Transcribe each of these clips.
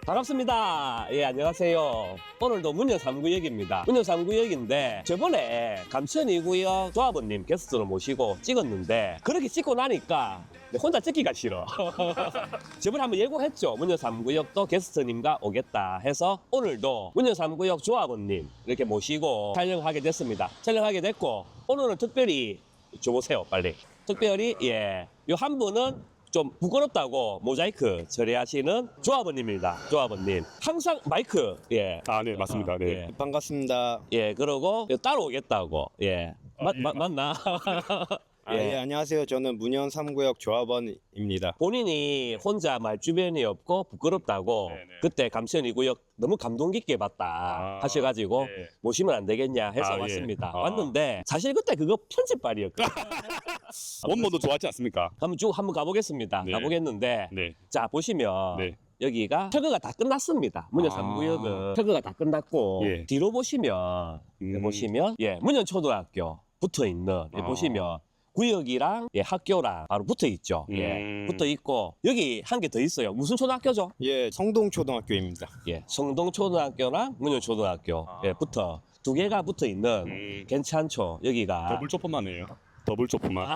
반갑습니다. 예, 안녕하세요. 오늘도 문현 3구역입니다. 문현 3구역인데 저번에 감천 2구역 조합원님 게스트로 모시고 찍었는데 그렇게 찍고 나니까 혼자 찍기가 싫어. 저번에 한번 예고했죠. 문현 3구역도 게스트님과 오겠다 해서 오늘도 문현 3구역 조합원님 이렇게 모시고 촬영하게 됐습니다. 촬영하게 됐고 오늘은 특별히 줘보세요, 빨리. 특별히 요 한 분은 좀 부끄럽다고 모자이크 처리하시는 조합원님입니다. 조합원님. 항상 마이크, 예. 아, 네, 맞습니다. 네. 예. 반갑습니다. 예, 그러고 따로 오겠다고. 예. 맞나? 예, 안녕하세요. 저는 문현 3구역 조합원입니다. 본인이 혼자 말 주변이 없고 부끄럽다고 네네. 그때 감천 2구역 너무 감동 깊게 봤다 하셔가지고 네. 모시면 안 되겠냐 해서 아, 예. 왔습니다. 아. 왔는데 사실 그때 그거 편집발이었거든요. 원모도 좋았지 않습니까? 한번 가보겠습니다. 네. 가보겠는데 네. 자 보시면 네. 여기가 철거가 다 끝났습니다. 문현 아. 3구역은 철거가 다 끝났고 예. 뒤로 보시면 문현 초등학교 붙어 있는 보시면 구역이랑 학교랑 바로 붙어 있죠. 예, 붙어 있고 여기 한 개 더 있어요. 무슨 초등학교죠? 예, 성동초등학교입니다. 예, 성동초등학교랑 문현초등학교 붙어 두 개가 붙어 있는 괜찮죠. 여기가 더블 조퍼만이에요. 더블 조퍼만.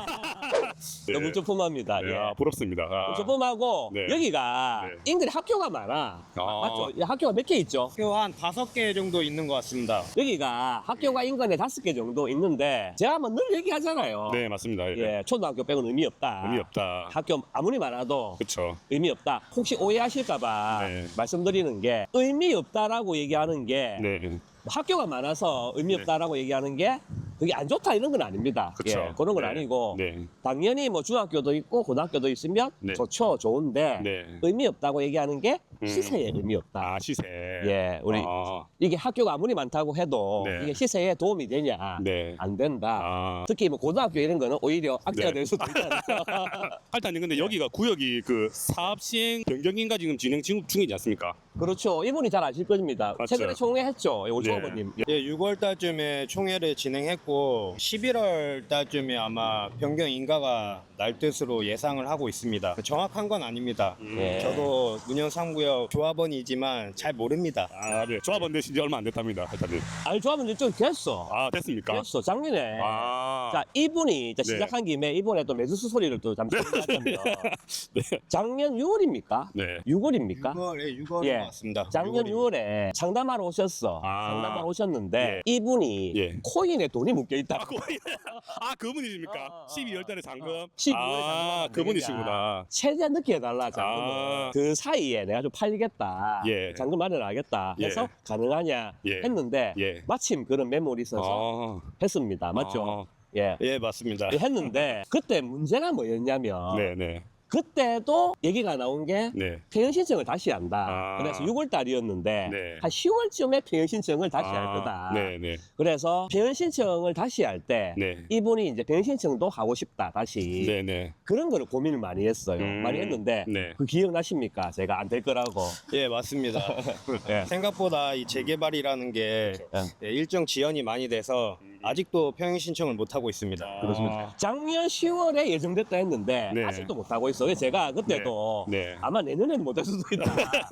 네. 너무 조품합니다. 네, 예. 아, 부럽습니다. 아. 조품하고 네. 여기가 네. 인근에 학교가 많아. 맞죠? 학교가 몇 개 있죠? 학교 한 5개 정도 있는 것 같습니다. 여기가 학교가 인근에 5개 정도 있는데 제가 늘 얘기하잖아요. 네, 맞습니다. 예. 예, 초등학교 빼고는 의미 없다. 의미 없다. 학교 아무리 많아도 그쵸. 의미 없다. 혹시 오해하실까봐 네. 말씀드리는 게 의미 없다라고 얘기하는 게 네. 학교가 많아서 의미 없다라고 얘기하는 게 그게 안 좋다 이런 건 아닙니다. 그쵸. 예, 그런 건 네. 아니고 네. 당연히 뭐 중학교도 있고 고등학교도 있으면 네. 좋죠, 좋은데 네. 의미 없다고 얘기하는 게 시세에 의미 없다. 아, 시세. 예, 우리 아, 이게 학교가 아무리 많다고 해도 네. 이게 시세에 도움이 되냐? 네. 안 된다. 아. 특히 뭐 고등학교 이런 거는 오히려 악재가 네. 될 수도 있잖아요. 할타님, 근데 여기가 구역이 그 사업 시행 변경인가 지금 진행 중이지 않습니까? 그렇죠. 이분이 잘 아실 겁니다. 맞죠. 최근에 총회했죠. 네. 오조아버님. 예, 6월 달쯤에 총회를 진행했고 11월 달쯤에 아마 변경 인가가 날 뜻으로 예상을 하고 있습니다. 정확한 건 아닙니다. 예. 저도 문현 3구역 조합원이지만 잘 모릅니다. 아, 네. 조합원 되신 지 얼마 안 됐답니다. 할타님. 아니, 조합은 좀 됐어. 아, 됐습니까? 됐어. 작년에. 아. 자, 이분이 이제 네. 시작한 김에 이번에 또 매수수 소리를 또 잠시 하자면 네. 작년 6월입니까? 네. 6월입니까? 6월인 예. 것 같습니다. 작년 6월입니다. 6월에 상담하러 오셨어. 아. 상담하러 오셨는데 예. 이분이 예. 코인에 돈이 묶여 있다. 아, 그분이십니까? 12월 달에 잔금? 12월 아, 그분이시구나. 최대한 늦게 해달라 잔금을. 아. 그 사이에 내가 좀 팔리겠다. 예. 잔금 마련하겠다 해서 예. 가능하냐 예. 했는데 예. 마침 그런 매물이 있어서 아. 했습니다. 맞죠? 예. 예, 맞습니다. 했는데 그때 문제가 뭐였냐면 네네. 그때도 얘기가 나온 게 네. 폐연 신청을 다시 한다. 아. 그래서 6월 달이었는데 네. 한 10월쯤에 폐연 신청을 다시 할 거다. 네네. 그래서 폐연 신청을 다시 할 때 네. 이분이 이제 폐연 신청도 하고 싶다 다시 네네. 그런 거를 고민을 많이 했어요. 많이 했는데 네. 그 기억나십니까? 제가 안 될 거라고. 예, 맞습니다. 예. 생각보다 이 재개발이라는 게 예, 일정 지연이 많이 돼서 아직도 평행 신청을 못 하고 있습니다. 그렇습니다. 작년 10월에 예정됐다 했는데 네. 아직도 못 하고 있어. 그래서 제가 그때도 네. 네. 아마 내년에는 못 할 수도 있다.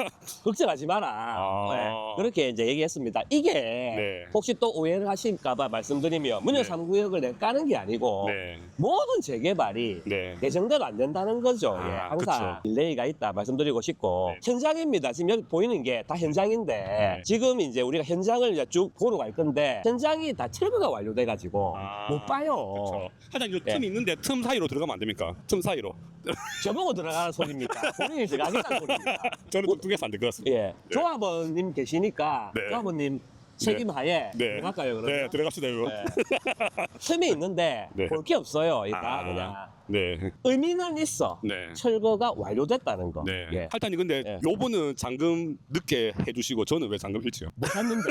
걱정하지 마라. 아. 네. 그렇게 이제 얘기했습니다. 이게 네. 혹시 또 오해를 하실까봐 말씀드리면 문현 네. 3구역을 내가 까는 게 아니고 네. 모든 재개발이 네. 예정대로 안 된다는 거죠. 아, 예, 항상 그쵸. 딜레이가 있다 말씀드리고 싶고 네. 현장입니다. 지금 여기 보이는 게 다 현장인데 네. 지금 이제 우리가 현장을 이제 쭉 보러 갈 건데 현장이 다 철거가 완료돼가지고 아, 못 봐요. 그렇죠. 하여튼 이 예. 틈 있는데 틈 사이로 들어가면 안 됩니까? 틈 사이로. 저보고 들어가는 소리입니까? 본인이 들어가겠다는 소리입니까? 저는 뚱뚱해서 안 될 것 같습니다. 예, 조합원님 계시니까 네. 조합원님 책임하에 네. 들어갈까요? 그러면? 네, 들어갑시다, 이거. 네. 틈이 있는데 네. 볼 게 없어요. 일단 아. 그냥 네. 의미는 있어. 네. 철거가 완료됐다는 거. 네. 예. 할타님, 근데 예. 요번은 잔금 늦게 해주시고 저는 왜 잔금 일치요? 못 샀는데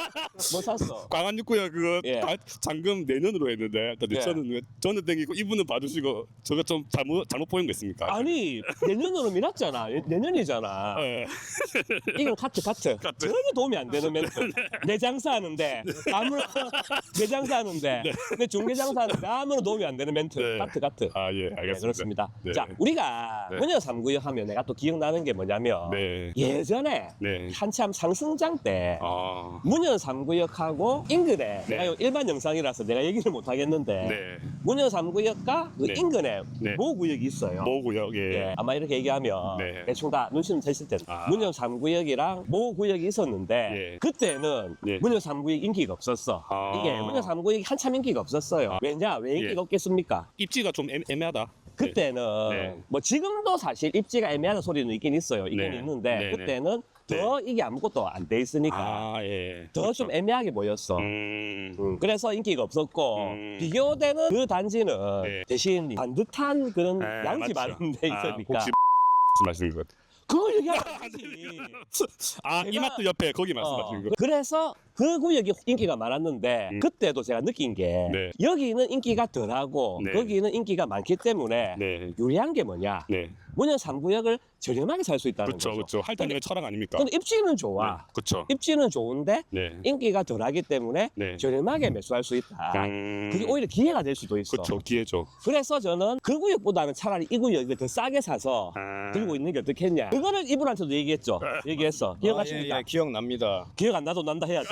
못 샀어. 광안육구역 그거 예. 다 잔금 내년으로 했는데 근데 예. 저는 땡기고 이분은 봐주시고 저거 좀 잘못 보인 거 있습니까? 아니 내년으로 미뤘잖아. 내년이잖아. 예. 이건 카트. 전혀 도움이 안 되는 멘트. 내 장사하는데 아무런 내 장사하는데 내 중개 장사하는데 아무런 도움이 안 되는 멘트. 네. 카트. 아, 예, 알겠습니다. 네, 그렇습니다. 네. 자, 우리가 네. 문현 3구역 하면 내가 또 기억나는 게 뭐냐면 네. 예전에 네. 한참 상승장 때 아. 문현 3구역하고 인근에 네. 내가 요 일반 영상이라서 내가 얘기를 못 하겠는데 네. 문현 3구역과 그 네. 인근에 네. 모 구역이 있어요. 뭐고요? 예. 예, 아마 이렇게 얘기하면 네. 대충 다 눈치는 채실 텐데 아. 문현 3구역이랑 모 구역이 있었는데 예. 그때는 예. 문현 3구역 인기가 없었어. 아. 이게 문현 3구역이 한참 인기가 없었어요. 아. 왜 인기가 예. 없겠습니까? 입지가 좀 애매하다. 그때는 네. 뭐 지금도 사실 입지가 애매하는 소리는 있긴 있어요. 있긴 네. 있는데 네, 네. 그때는 더 이게 아무것도 안 돼 있으니까 아, 예. 더 좀 애매하게 보였어. 그래서 인기가 없었고 비교되는 그 단지는 네. 대신 반듯한 그런 네, 양지 맞죠. 많은 데 있으니까 혹시 말씀인 것 같아요. 그걸 얘기하면 안 되지. 아, 제가- 이마트 옆에 거기 말씀하시는 거. 그래서 그 구역이 인기가 많았는데 그때도 제가 느낀 게 네. 여기는 인기가 덜하고 네. 거기는 인기가 많기 때문에 네. 유리한 게 뭐냐? 네. 문현 3구역을 저렴하게 살 수 있다는 그렇죠. 거죠. 그렇죠. 할당량의 철학 아닙니까? 근데 입지는 좋아. 그렇죠. 입지는 좋은데 네. 인기가 덜하기 때문에 네. 저렴하게 매수할 수 있다. 그게 오히려 기회가 될 수도 있어. 그렇죠. 기회죠. 그래서 저는 그 구역보다는 차라리 이 구역을 더 싸게 사서 아. 들고 있는 게 어떻겠냐. 그거를 이분한테도 얘기했죠. 얘기했어. 기억하십니까? 예, 기억납니다. 기억 안 나도 난다 해야 돼.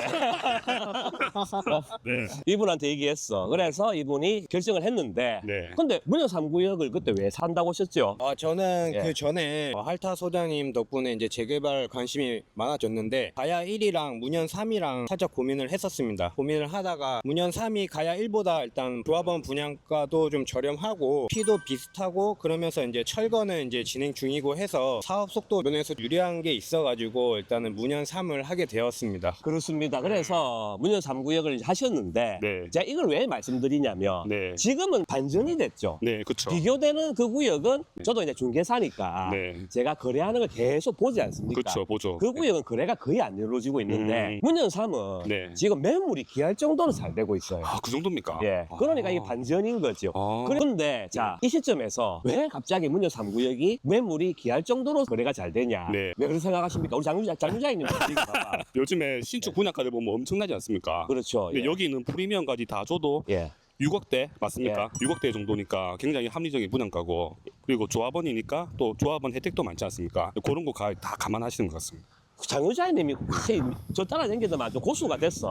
네. 이분한테 얘기했어. 그래서 이분이 결정을 했는데 네. 근데 문현 3구역을 그때 왜 산다고 하셨죠? 저는 예. 그 전에 할타 소장님 덕분에 이제 재개발 관심이 많아졌는데 가야 1이랑 문현 3이랑 살짝 고민을 했었습니다. 고민을 하다가 문현 3이 가야 1보다 일단 조합원 분양가도 좀 저렴하고 피도 비슷하고 그러면서 이제 철거는 이제 진행 중이고 해서 사업 속도 면에서 유리한 게 있어가지고 일단은 문현 3을 하게 되었습니다. 그렇습니다. 그래서 문현 3구역을 하셨는데 네. 제가 이걸 왜 말씀드리냐면 네. 지금은 반전이 됐죠. 네, 그렇죠. 비교되는 그 구역은 저도 이제 중개사니까 네. 제가 거래하는 걸 계속 보지 않습니까? 그렇죠. 보죠. 그 구역은 거래가 거의 안 이루어지고 있는데 문현 3은 네. 지금 매물이 귀할 정도로 잘 되고 있어요. 아, 그 정도입니까? 예, 그러니까 이게 반전인 거죠. 아. 그런데 자, 이 시점에서 왜 갑자기 문현 3구역이 매물이 귀할 정도로 거래가 잘 되냐? 네. 왜 그렇게 생각하십니까? 우리 장유자님 봐봐. 요즘에 신축 분양가들 보면 엄청나지 않습니까? 그렇죠. 근데 예. 여기는 프리미엄까지 다 줘도 예. 6억대 맞습니까? 6억대 정도니까 굉장히 합리적인 분양가고 그리고 조합원이니까 또 조합원 혜택도 많지 않습니까? 그런 거 다 감안하시는 것 같습니다. 장유자님이 혹시 저 따라다니기도 좀 고수가 됐어.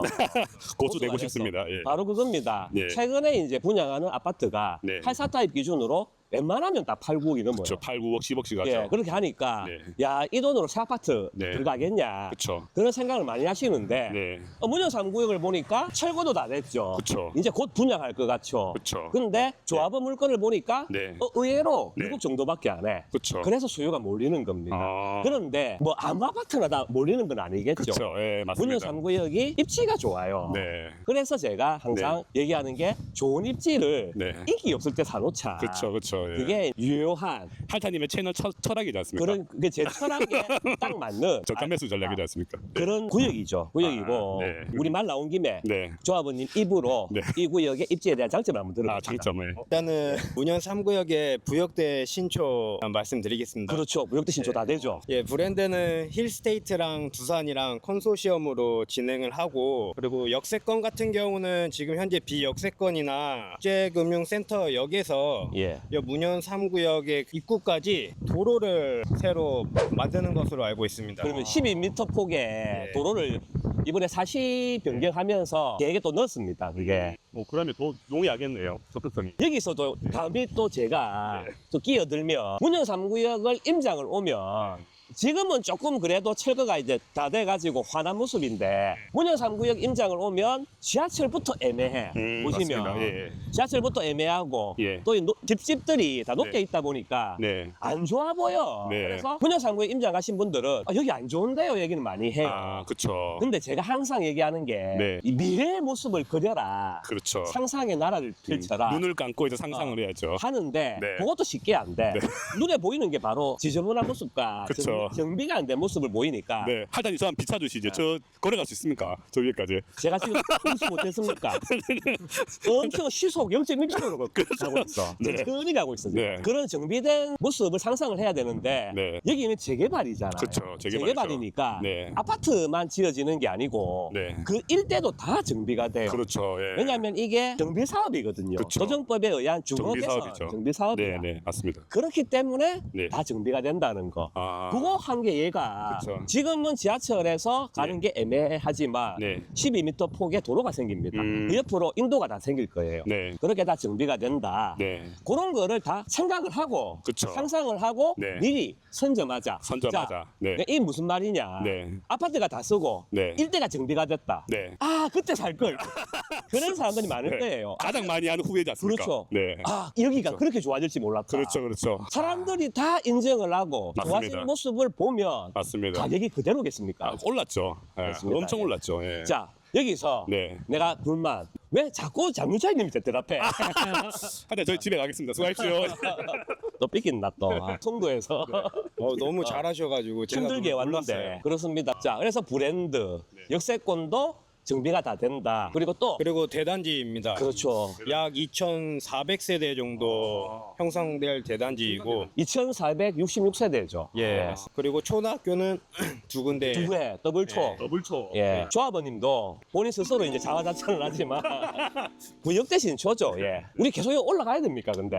고수 되고 됐어. 싶습니다. 예. 바로 그겁니다. 네. 최근에 이제 분양하는 아파트가 네. 84타입 기준으로 웬만하면 다 8, 9억이 넘어요. 그렇죠. 8, 9억, 10억씩 하죠. 예, 그렇게 하니까 네. 야, 이 돈으로 새 아파트 네. 들어가겠냐. 그렇죠. 그런 생각을 많이 하시는데 네. 문현 3구역을 보니까 철거도 다 됐죠. 그쵸. 이제 곧 분양할 것 같죠. 그쵸. 근데 조합원 물건을 보니까 네. 의외로 네. 6억 정도밖에 안 해. 그렇죠. 그래서 수요가 몰리는 겁니다. 아. 그런데 뭐 아무 아파트나 다 몰리는 건 아니겠죠. 그렇죠. 예, 문현 맞습니다. 3구역이 입지가 좋아요. 네. 그래서 제가 항상 얘기하는 게 좋은 입지를 네. 인기 없을 때 사놓자. 그렇죠. 그렇죠. 예. 그게 유효한 할타님의 채널 철학이지 않습니까? 그런 그게 제 철학에 딱 맞는 저가 매수 전략이지 않습니까? 그런 구역이죠. 구역이고 아, 네. 우리 말 나온 김에 네. 조합원님 입으로 네. 이 구역의 입지에 대한 장점을 한번 들어봅시다. 아, 장점을. 일단은 문현 3구역의 부역대 신초 말씀드리겠습니다. 그렇죠. 무역대 신초 다 되죠. 예, 브랜드는 힐스테이트랑 두산이랑 컨소시엄으로 진행을 하고 그리고 역세권 같은 경우는 지금 현재 비역세권이나 국제금융센터역에서 예. 이 문현 3구역의 입구까지 도로를 새로 만드는 것으로 알고 있습니다. 그러면 12m 폭의 도로를 이번에 사시 변경하면서 계획에 또 넣었습니다. 그게 그러면 더 용이하겠네요. 접근성이. 여기서도 다음에 또 제가 또 끼어들면 문현 3구역을 임장을 오면 지금은 조금 그래도 철거가 이제 다 돼가지고 환한 모습인데 문현 3구역 임장을 오면 지하철부터 애매해. 보시면 맞습니다. 예. 지하철부터 애매하고 예. 또 이 집들이 다 높게 네. 있다 보니까 네. 안 좋아 보여. 네. 그래서 문현 3구역 임장 가신 분들은 여기 안 좋은데요 얘기는 많이 해요. 아, 그렇죠. 근데 제가 항상 얘기하는 게 네. 이 미래의 모습을 그려라. 그렇죠. 상상의 나라를 펼쳐라. 눈을 감고 이제 상상을 해야죠. 하는데 네. 그것도 쉽게 안 돼. 눈에 보이는 게 바로 지저분한 모습과 그쵸. 그렇죠. 정비가 안 된 모습을 보이니까 네, 할단이 저한 비춰주시죠. 저 걸어갈 수 있습니까? 저 위에까지. 제가 지금 무슨 못했습니까? 엄청 시속 0.1km로 가고 있어. 네. 천천히 가고 있어. 지금. 네. 그런 정비된 모습을 상상을 해야 되는데 네. 여기는 재개발이잖아요. 그렇죠. 재개발이니까 네. 아파트만 지어지는 게 아니고 네. 그 일대도 다 정비가 돼요. 그렇죠. 예. 왜냐하면 이게 정비 사업이거든요. 그쵸. 조정법에 의한 정비 주거개선 사업이죠. 정비 사업이야. 네, 네, 맞습니다. 그렇기 때문에 네. 다 정비가 된다는 거. 아, 그거 한 게 얘가 그쵸. 지금은 지하철에서 가는 게 애매하지만 네. 12m 폭의 도로가 생깁니다. 음. 그 옆으로 인도가 다 생길 거예요. 네. 그렇게 다 정비가 된다. 네. 그런 거를 다 생각을 하고 그쵸. 상상을 하고 네. 미리 선점하자. 선점하자. 자, 네. 이게 무슨 말이냐. 네. 아파트가 다 쓰고 네. 일대가 정비가 됐다. 네. 아 그때 살 걸. 그런 사람들이 많을 네. 거예요. 가장 많이 하는 후회지 않습니까? 그렇죠. 네. 아 여기가 그렇죠. 그렇게 좋아질지 몰랐다. 그렇죠, 그렇죠. 사람들이 다 인정을 하고 맞습니다. 좋아지는 모습을 보면 맞습니다. 가격이 그대로겠습니까? 아, 올랐죠. 예, 맞습니다. 엄청 예. 올랐죠. 예. 자 여기서 네. 내가 불만 왜 자꾸 장유차님이 대답해? 하여튼 저희 집에 가겠습니다. 수고하십시오. 또 삐긴다 또 송도에서 너무 잘하셔가지고 제가 힘들게 너무 왔는데 놀랐어요. 그렇습니다. 자 그래서 브랜드 역세권도 정비가 다 된다. 그리고 또 그리고 대단지입니다. 그렇죠. 약 2,400세대 정도 형성될 대단지이고 2,466세대죠. 예. 그리고 초등학교는 두 군데. 두 개, 더블초. 더블초. 예. 조합원님도 본인 스스로 이제 자화자찬을 하지만 구역 대신 초죠. 예. 우리 계속 올라가야 됩니까, 근데?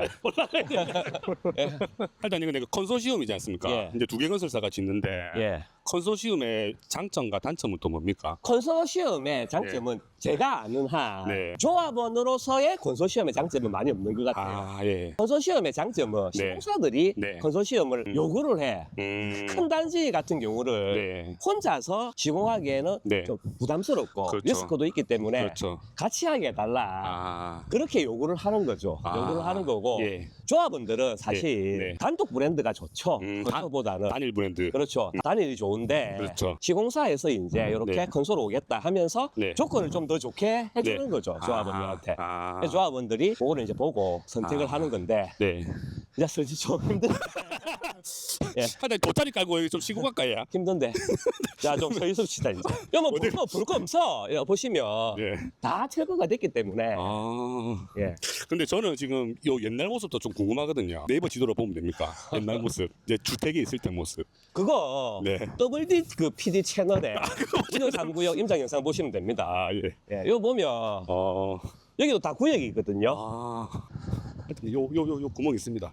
하여튼 이거 내가 컨소시엄이지 않습니까? 예. 이제 두 개 건설사가 짓는데 예. 컨소시엄의 장점과 단점은 또 뭡니까? 컨소시엄의 장점은 제가 아는 한 네. 조합원으로서의 컨소시엄의 장점은 많이 없는 것 같아요. 아, 예. 컨소시엄의 장점은 네. 시공사들이 네. 컨소시엄을 요구를 해. 큰 단지 같은 경우를 네. 혼자서 시공하기에는 네. 좀 부담스럽고 그렇죠. 리스크도 있기 때문에 그렇죠. 같이 하게 해달라. 아. 그렇게 요구를 하는 거죠. 아. 요구를 하는 거고 예. 조합원들은 사실 네. 단독 브랜드가 좋죠. 단- 컨소보다는 단일 브랜드. 그렇죠. 단일이 좋은데 그렇죠. 시공사에서 이제 이렇게 네. 컨소로 오겠다 하면서 네. 조건을 좀 더 좋게 해주는 네. 거죠. 조합원들한테. 아. 그래서 조합원들이 그거를 이제 보고 선택을 아. 하는 건데 네. 이제 솔직히 좀 예. 하여튼 돗자리 깔고 여기 좀 쉬고 갈까요? 힘든데. 자, 좀 서 있읍시다, 이제. 여뭐 볼거 없어. 여, 보시면 예. 다 철거가 됐기 때문에. 아. 예. 근데 저는 지금 요 옛날 모습도 좀 궁금하거든요. 네이버 지도로 보면 됩니까? 옛날 모습. 이제 주택이 있을 때 모습. 그거 네. WD 그 PD 채널에 운영 3구역 임장 영상 보시면 됩니다. 아, 예. 예, 이거 보면 어. 여기도 다 구역이 있거든요. 아. 하여튼 요 구멍 있습니다.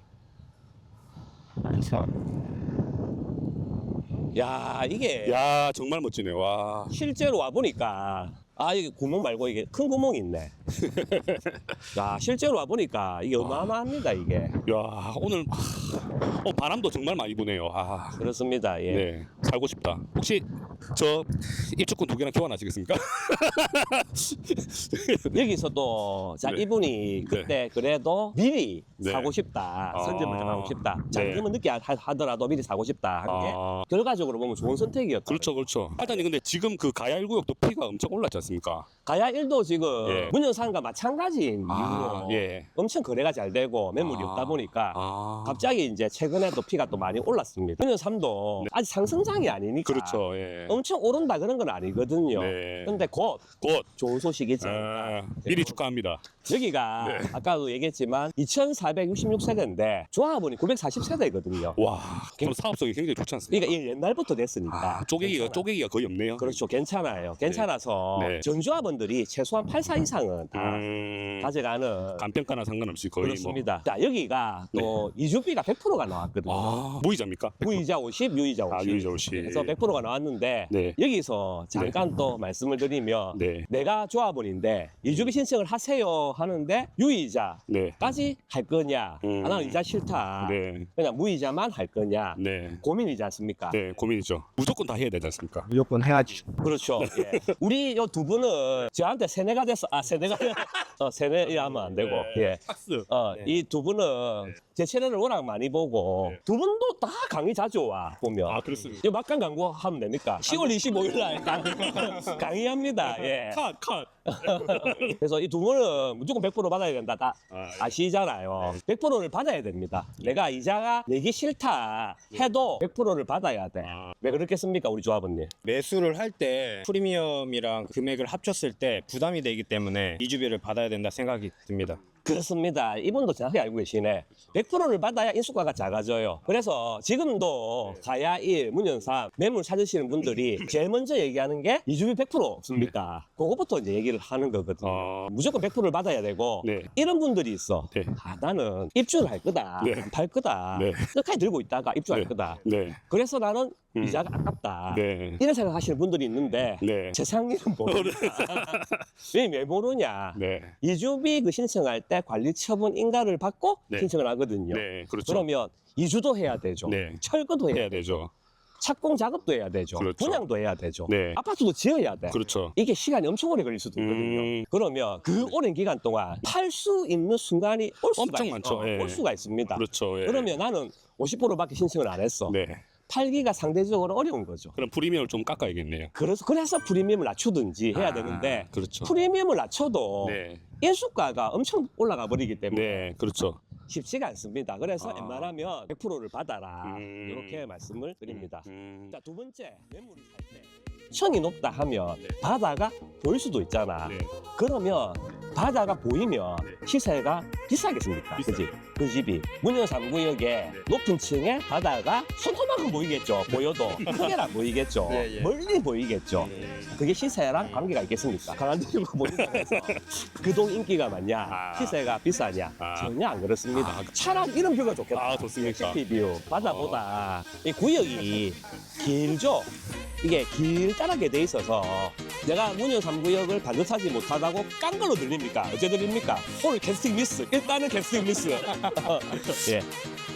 야, 이게 야, 정말 멋지네요. 와. 실제로 와 보니까 이게 구멍 말고 이게 큰 구멍이 있네. 야, 실제로 와 보니까 이게 어마어마합니다, 이게. 야, 오늘 바람도 정말 많이 부네요. 아. 그렇습니다. 예. 네. 살고 싶다. 혹시 저 입주권 2개나 교환하시겠습니까? 여기서 또, 자, 네. 이분이 그때 그래도 미리 네. 사고 싶다. 아. 선점을 좀 하고 싶다. 네. 잔금은 늦게 하더라도 미리 사고 싶다. 하는 게 아. 결과적으로 보면 좋은 선택이었다. 그렇죠, 그렇죠. 하여튼 근데 지금 그 가야 1구역도 피가 엄청 올랐지 않습니까? 가야 1도 지금 예. 문현산과 마찬가지인 아, 이유로 예. 엄청 거래가 잘 되고 매물이 아. 없다 보니까 아. 갑자기 이제 최근에도 피가 또 많이 올랐습니다. 문현삼도 아직 상승장이 아니니까 그렇죠. 예. 엄청 오른다 그런 건 아니거든요. 네. 근데 곧 곧 좋은 소식이지. 미리 축하합니다. 여기가 네. 아까도 얘기했지만 2,466세대인데 조합원이 940세대거든요. 와, 그럼 사업성이 굉장히 좋지 않습니까? 그러니까 이 옛날부터 됐으니까. 쪼개기가 거의 없네요. 그렇죠. 괜찮아요. 괜찮아서 네. 전조합원들이 최소한 8사 이상은 다 가져가는 간평가나 상관없이 거의 그렇습니다. 자, 여기가 또 이주비가 100%가 나왔거든요. 뭐. 무이자입니까? 무이자 50, 유이자 50. 유이자 50. 그래서 100%가 나왔는데 네. 여기서 잠깐 또 말씀을 드리면 네. 내가 조합원인데 이주비 신청을 하세요 하는데 유이자까지 네. 할 거냐? 나는 이자 싫다. 네. 그냥 무이자만 할 거냐? 네. 고민이지 않습니까? 네, 고민이죠. 무조건 다 해야 되지 않습니까? 무조건 해야지. 그렇죠. 예. 우리 요 두 분은 저한테 세뇌가 됐어. 세뇌가 세뇌하면 안 되고. 예. 박스. 이 두 분은 제 채널을 워낙 많이 보고 두 분도 다 강의 자주 와 보면. 아, 그렇습니다. 이 막간 광고 하면 됩니까? 10월 25일 날 강의합니다. 예. 컷. 그래서 이 두 분은 무조건 100% 받아야 된다. 다 아시잖아요. 100%를 받아야 됩니다. 내가 이자가 내기 싫다 해도 100%를 받아야 돼. 왜 그렇겠습니까, 우리 조합원님? 매수를 할 때 프리미엄이랑 금액을 합쳤을 때 부담이 되기 때문에 이주비를 받아야 된다 생각이 듭니다. 그렇습니다. 이분도 정확히 알고 계시네. 100%를 받아야 인수가가 작아져요. 그래서 지금도 가야 1, 문연 3 매물 찾으시는 분들이 제일 먼저 얘기하는 게 이주비 100% 없습니까? 그거부터 이제 얘기를 하는 거거든요. 무조건 100%를 받아야 되고 네. 이런 분들이 있어. 네. 아, 나는 입주를 할 거다. 네. 안 팔 거다. 네. 끝까지 들고 있다가 입주할 네. 거다. 네. 그래서 나는 이자가 아깝다. 네. 이런 생각하시는 분들이 있는데 네. 세상 일은 모르니까. 왜 모르냐? 네. 이주비 그 신청할 때 관리처분 인가를 받고 네. 신청을 하거든요. 네. 그렇죠. 그러면 이주도 해야 되죠. 네. 철거도 해야 해야 되죠. 되죠. 착공 작업도 해야 되죠. 그렇죠. 분양도 해야 되죠. 네. 아파트도 지어야 돼. 그렇죠. 이게 시간이 엄청 오래 걸릴 수도 있거든요. 그러면 그 오랜 기간 동안 팔 수 있는 순간이 올 수가, 엄청 많죠. 예. 올 수가 있습니다. 그렇죠. 예. 그러면 나는 50%밖에 신청을 안 했어. 네. 팔기가 상대적으로 어려운 거죠. 그럼 프리미엄을 좀 깎아야겠네요. 그래서 프리미엄을 낮추든지 해야 아, 되는데 그렇죠. 프리미엄을 낮춰도 네. 인수가가 엄청 올라가 버리기 때문에 네. 그렇죠. 쉽지가 않습니다. 그래서 아. 웬만하면 100%를 받아라. 음. 이렇게 말씀을 드립니다. 음. 자, 두 번째, 매물을 살 때 청이 높다 하면 네. 바다가 보일 수도 있잖아. 네. 그러면 바다가 보이면 네. 시세가 비싸겠습니까? 비싸요. 그지? 그 집이 문현 3구역에 높은 층에 바다가 손톱만큼 보이겠죠. 보여도 크게는 안 보이겠죠. 예, 예. 멀리 보이겠죠. 그게 시세랑 관계가 있겠습니까? 강한들고 보인다고 해서 그 동 인기가 많냐, 아. 시세가 비싸냐, 아. 전혀 안 그렇습니다. 아. 차라리 이런 뷰가 좋겠다. 아, 좋습니까? 시티뷰 바다보다 이 구역이 길죠. 이게 길다랗게 돼 있어서 내가 문현 3구역을 반듯하지 못하다고 깐 걸로 들립니까? 어째 들립니까? 오늘 캐스팅 미스. 일단은 캐스팅 미스. 예.